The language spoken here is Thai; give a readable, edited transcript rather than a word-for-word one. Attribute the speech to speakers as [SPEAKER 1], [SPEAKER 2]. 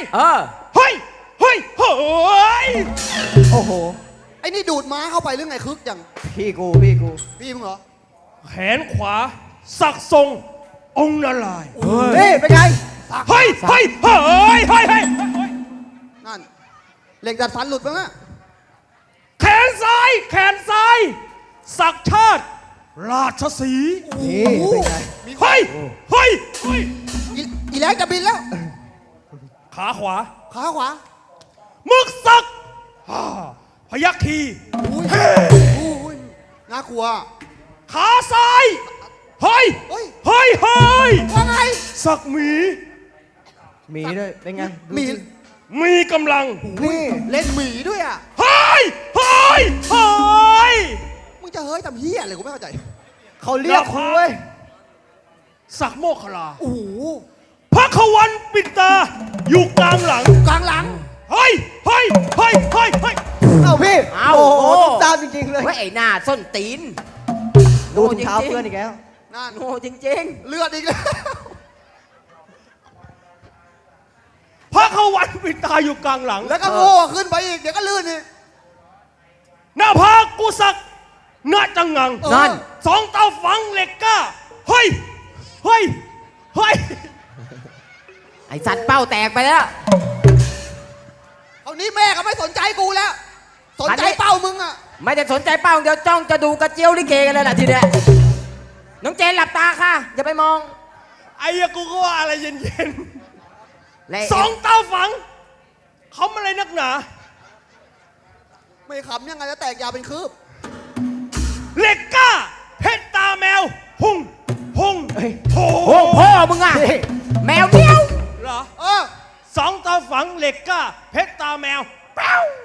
[SPEAKER 1] เฮ้ยเฮ้ยเฮ้ย
[SPEAKER 2] โอ้โห
[SPEAKER 3] ไอ้นี่ดูดม้าเข้าไปหรือไงคึกอย่าง
[SPEAKER 2] พี่กู
[SPEAKER 3] พี่มึงเหรอ
[SPEAKER 1] แขนขวาสักทรงองค์นารายณ์
[SPEAKER 2] เฮ้ยเป็นไง
[SPEAKER 1] เฮ้ยเฮ้ยเฮ้ยเฮ้ยเฮ้ย
[SPEAKER 3] นั่นเหล็กดัดฟันหลุดมั้งอะ
[SPEAKER 1] แขนซ้ายสักชาติราชสีห์
[SPEAKER 2] นี่เป็นไง
[SPEAKER 1] เฮ้ยเฮ้ยเฮ้ย
[SPEAKER 3] อีแรงจะบินแล้ว
[SPEAKER 1] ขาขวามึกสักพยัคฆ์คี
[SPEAKER 3] น่ากลัว
[SPEAKER 1] ขาซ้ายเฮ้ย
[SPEAKER 3] ว่าไง
[SPEAKER 1] สักหมี
[SPEAKER 2] ด้วยเป็นไง
[SPEAKER 1] มีกำลัง
[SPEAKER 3] นี่เล่นหมีด้วยอ่ะ
[SPEAKER 1] เฮ้ย
[SPEAKER 3] มึงจะเฮ้ยทำเฮียอะไรกูไม่เข้าใจ
[SPEAKER 2] เขาเรียกคุย
[SPEAKER 1] สักโมคคลา
[SPEAKER 3] โอ้โห
[SPEAKER 1] พระขวันปิดตาอยู่กลางหลังเฮ้ยเ
[SPEAKER 2] เอาพี่โอ้โหตุ้มตามจริงๆเลย
[SPEAKER 4] ไอ้หน้าส้นตีน
[SPEAKER 2] ดูเท้าเพื่อนอีกแล้ว
[SPEAKER 3] นั่น
[SPEAKER 4] โง่จริง
[SPEAKER 3] ๆเลือดอีกแล้ว
[SPEAKER 1] พระขวันปิดตาอยู่กลางหลัง
[SPEAKER 3] แล้วก็โง่ขึ้นไปอีกเดี๋ยวก็ลื่นอีก
[SPEAKER 1] หน้าผากกูสักหน้าจังงัง
[SPEAKER 4] นั่น
[SPEAKER 1] สองเตาฝังเหล็กก้าเฮ้ย
[SPEAKER 4] ไอ้สัตว์เป้าแตกไปแล้ว
[SPEAKER 3] เอานี้แม่ก็ไม่สนใจกูแล้วสนใจเป้ามึงอะ
[SPEAKER 4] ไม่ได้สนใจเป้าเดี๋ยวจ้องจะดูกระเจียวลิเกกันเลยล่ะทีเนี้ยน้องเจนหลับตาค่ะอย่าไปมอง
[SPEAKER 1] ไอ้กูก็ว่าอะไรเย็นๆสองเตาฝังเขาอะไรนักหนา
[SPEAKER 3] ไม่ขำยังไงจะแตกยาวเป็นคืบ
[SPEAKER 1] เหล็กก้าเพชรตาแมวหุ่ง
[SPEAKER 4] พ่อมึงอะแมวเมียว
[SPEAKER 1] เหรอสองเตาฝังเหล็กก้าเพชรตาแมวเป้า